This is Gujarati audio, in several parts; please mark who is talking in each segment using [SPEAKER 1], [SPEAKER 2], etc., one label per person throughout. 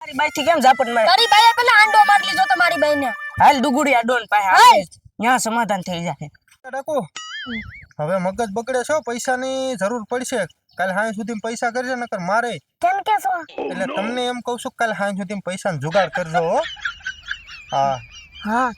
[SPEAKER 1] મારી બાઈ થી કેમ ઝાપટ મારે?
[SPEAKER 2] તારી બાઈએ પેલા આંડો માર લીધો તો મારી બાઈને.
[SPEAKER 1] હાલ ડુગુડિયા ડોન પાસે હાલ ન્યા સમાધાન થઈ જાય.
[SPEAKER 3] ડાકુ હવે મગજ બગડે છો, પૈસાની જરૂર પડશે. કાલ હાંજ સુધી પૈસા કરજો નકર મારે.
[SPEAKER 2] કેમ કે છો?
[SPEAKER 3] એટલે તમને એમ કહું છું કાલ હાંજ સુધી પૈસાનો જુગાડ કરજો હો. હા
[SPEAKER 1] હા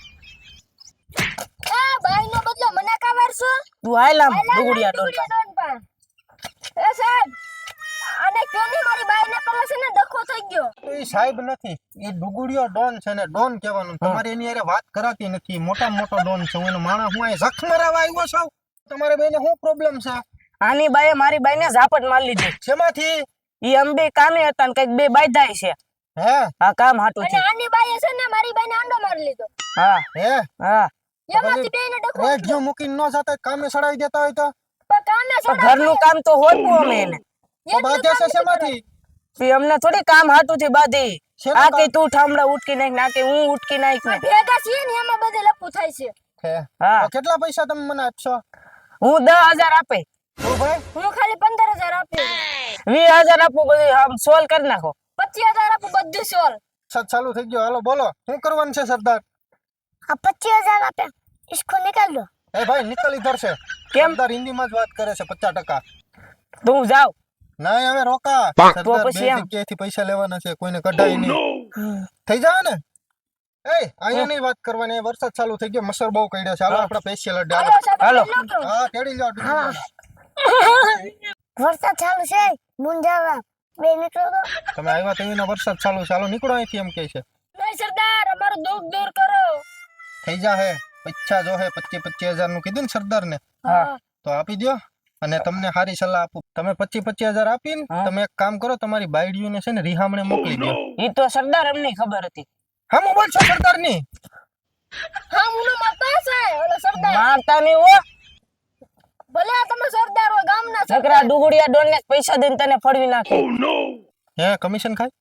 [SPEAKER 2] એ બાઈનો બદલો મને કા વારસો?
[SPEAKER 1] તું હાલ આમ ડુગુડિયા ડોન પાસે.
[SPEAKER 2] એ સાહેબ આને ક્यों નહીં મારી બાઈને પેલા છે ને ડખો થઈ ગયો.
[SPEAKER 3] તો એ સાહેબ નથી, એ ડુગુડિયો ડોન છે ને ડોન કહેવાનું. તમારે એની હારે વાત કરાતી નથી. મોટા મોટો ડોન છે. હું એનો માણસ હું અહીં જખ મરાવા આવ્યો છું. તમારે બેને શું પ્રોબ્લેમ છે?
[SPEAKER 1] આની બાઈએ મારી બાઈને ઝાપટ મારી લીધી.
[SPEAKER 3] શેમાંથી?
[SPEAKER 1] ઈ અંબે કામે હતા ને કઈક બે બાયધાય છે.
[SPEAKER 3] હે
[SPEAKER 1] આ કામ હાટું
[SPEAKER 2] અને
[SPEAKER 1] છે.
[SPEAKER 2] આની બાઈએ છે ને મારી બાઈને આંડો મારી લીધો.
[SPEAKER 1] હા
[SPEAKER 3] હે
[SPEAKER 1] હા
[SPEAKER 2] એમાંથી બેને ડખો
[SPEAKER 3] રેડિયો મૂકીને ન જાતા કામે સડાવી દેતા હોય તો
[SPEAKER 2] પણ કામે
[SPEAKER 1] પણ ઘરનું કામ તો હોતું અમે એને.
[SPEAKER 3] તો બાધે છે શેમાંથી?
[SPEAKER 1] ઈ અમને થોડી કામ હાટું થી બાધી.
[SPEAKER 3] શેનું
[SPEAKER 1] આ
[SPEAKER 3] કામ?
[SPEAKER 1] કે તું ઠામડા ઉટકી નાખ, ના કે હું ઉટકી નાખ ને.
[SPEAKER 2] ભેગા છીએ ને એમાં બધે લપુ થાય છે.
[SPEAKER 3] હે
[SPEAKER 1] હા
[SPEAKER 3] તો કેટલા પૈસા તમે મને આપશો?
[SPEAKER 1] હું 10,000 આપે,
[SPEAKER 3] ઓ ભાઈ
[SPEAKER 2] હું ખાલી 15,000 આપી
[SPEAKER 1] 20,000 આપું, બધું આમ સોલ્વ કરી નાખો.
[SPEAKER 2] 25,000 આપું બધું સોલ.
[SPEAKER 3] સત ચાલુ થઈ ગયો. હાલો બોલો શું કરવાનું છે સરદાર?
[SPEAKER 2] આ 25,000 આપે इसको निकाल दो.
[SPEAKER 3] એ ભાઈ નિકલ ઇધર છે.
[SPEAKER 1] કેમ?
[SPEAKER 3] સરદાર હિન્દીમાં જ વાત કરે છે 50%.
[SPEAKER 1] તું જાવ.
[SPEAKER 3] નહીં હવે રોકા. સરદાર બે
[SPEAKER 1] પછી એમ.
[SPEAKER 3] જગ્યાએથી પૈસા લેવાના છે, કોઈને કઢાય નહીં. થઈ જાય ને? એ અહીંયા નહીં વાત કરવાની. વરસાદ ચાલુ થઈ ગયો, મચ્છર બહુ કરડ્યો છે. હાલો આપણે સ્પેશિયલ અડ્ડે હાલો.
[SPEAKER 1] હાલો.
[SPEAKER 3] હા તેડી જાઓ ડુંગળી.
[SPEAKER 2] વરસાદ ચાલુ છે મુંજાવા બે નીકળો તો.
[SPEAKER 3] તમે આવ્યા તો એનો વરસાદ ચાલુ છે. હાલો નીકળો અહીંથી એમ કહે છે.
[SPEAKER 2] નહીં સરદાર અમારું દુઃખ દૂર કરો.
[SPEAKER 3] થઈ જાહે. પૈસા જો હે 25,000 નું કીધું ને સરદાર ને,
[SPEAKER 1] હા
[SPEAKER 3] તો આપી દ્યો. અને તમને સારી સલાહ આપું. તમે 25,000 આપીને તમે એક કામ કરો, તમારી બાયડીઓને છે ને રિહામણે મોકલી દો.
[SPEAKER 1] ઈ તો સરદાર અમને ખબર હતી.
[SPEAKER 3] હા મોબાઈલ છે સરદાર ની.
[SPEAKER 2] હા મુનો મારતા છે ઓલો સરદાર.
[SPEAKER 1] મારતા નહીં હો.
[SPEAKER 2] ભલે આ તમે સરદાર હો ગામના સરદાર.
[SPEAKER 1] નકરા ડુગુડિયા ડોન ને પૈસા દઈને તને ફળવી નાખે.
[SPEAKER 3] હે કમિશન ખાય?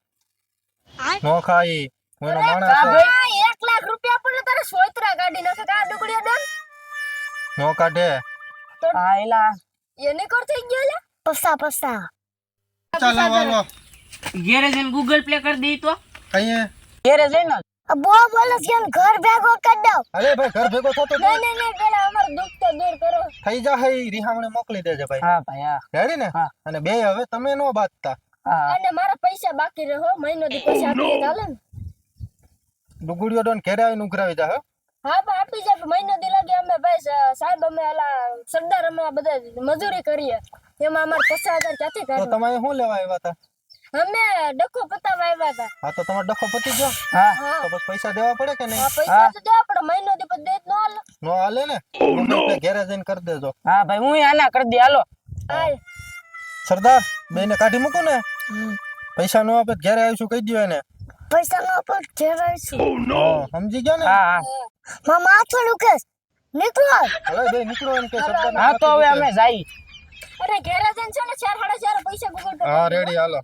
[SPEAKER 3] નો ખાય. હું એનો માણસ
[SPEAKER 1] કા
[SPEAKER 3] છે.
[SPEAKER 1] ભાઈ?
[SPEAKER 2] 1 લાખ રૂપિયા આપણને તારે સોયત્રા કાઢી નાખે કા ડુગડીયા ડન.
[SPEAKER 3] નો કાઢે.
[SPEAKER 1] આયલા
[SPEAKER 2] એને કર થઈ ગયો લે. પસા
[SPEAKER 3] ચાલો હાલો.
[SPEAKER 1] ઘેરે જઈને ગૂગલ પ્લે કરી દઈ તો.
[SPEAKER 3] કહીએ
[SPEAKER 1] ઘેરે જઈને
[SPEAKER 2] બો બોલો છે ઘર ભેગો કરી દો.
[SPEAKER 3] અરે ભાઈ ઘર ભેગો થતો તો
[SPEAKER 2] નહીં પેલા અમારું દુઃખ તો દૂર કરો.
[SPEAKER 3] થઈ જાહે. ઈ રિહામણે મોકલી દેજે ભાઈ.
[SPEAKER 1] હા ભાઈ હા
[SPEAKER 3] રેડી ને?
[SPEAKER 1] હા.
[SPEAKER 3] અને બે હવે તમે નો બાંધતા.
[SPEAKER 1] હા
[SPEAKER 2] અને મારા પૈસા બાકી રહો મહિનો દી પછી આપી દે ચાલે ને.
[SPEAKER 3] ડુગુડિયો ડોન ઘેરે આવીને ઉઘરાવી જા.
[SPEAKER 2] હા પણ આપી જાય મહિનો દી લાગે અમે ભાઈ સાહેબ અમે આલા સરદાર અમે આ બધા મજૂરી કરીએ એમાં અમારે 50,000 ક્યાંથી
[SPEAKER 3] તો
[SPEAKER 2] કાઢવા.
[SPEAKER 3] તમે શું લેવા આવ્યા હતા?
[SPEAKER 2] અમે ડખો પતાવા આવ્યા હતા.
[SPEAKER 3] હા તો તમારો ડખો પતી ગયો.
[SPEAKER 1] હા
[SPEAKER 2] હા
[SPEAKER 3] તો બસ પૈસા દેવા પડે કે
[SPEAKER 2] આ
[SPEAKER 3] નહીં?
[SPEAKER 2] પૈસા તો દેવા પડે મહિનો દી પછી દે જ ન હાલે.
[SPEAKER 3] નો હાલે ને? ગૂગલ પે ઘેરે જઈને કરી દેજો.
[SPEAKER 1] હા ભાઈ હું આના કરી દે હાલો.
[SPEAKER 2] હાલ
[SPEAKER 3] સરદાર બેને કાઢી મૂકો ને. પૈસા નો આપે તો ઘેરે આવીશું કહી દો એને.
[SPEAKER 2] પૈસા નો આપો ઘેર આવીશું.
[SPEAKER 3] હા સમજી ગયા ને?
[SPEAKER 1] હા હા
[SPEAKER 2] મારા માથું દુખે નીકળો.
[SPEAKER 3] હવે બે નીકળો એમ કે સરદાર
[SPEAKER 1] હા તો હવે અમે જઈ.
[SPEAKER 2] અરે ઘેર જઈને છે ને 4-4.5 પૈસા ગૂગલ પે
[SPEAKER 3] હા રેડી હાલો.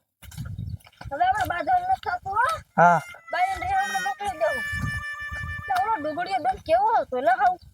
[SPEAKER 2] હવે આપણે બાધા ન થતું હો.
[SPEAKER 1] હા
[SPEAKER 2] બાઈને રેવણને મોકલી દેવું. તો ઓલો ડુગડીયો ડન કેવો હતો લે હાવ.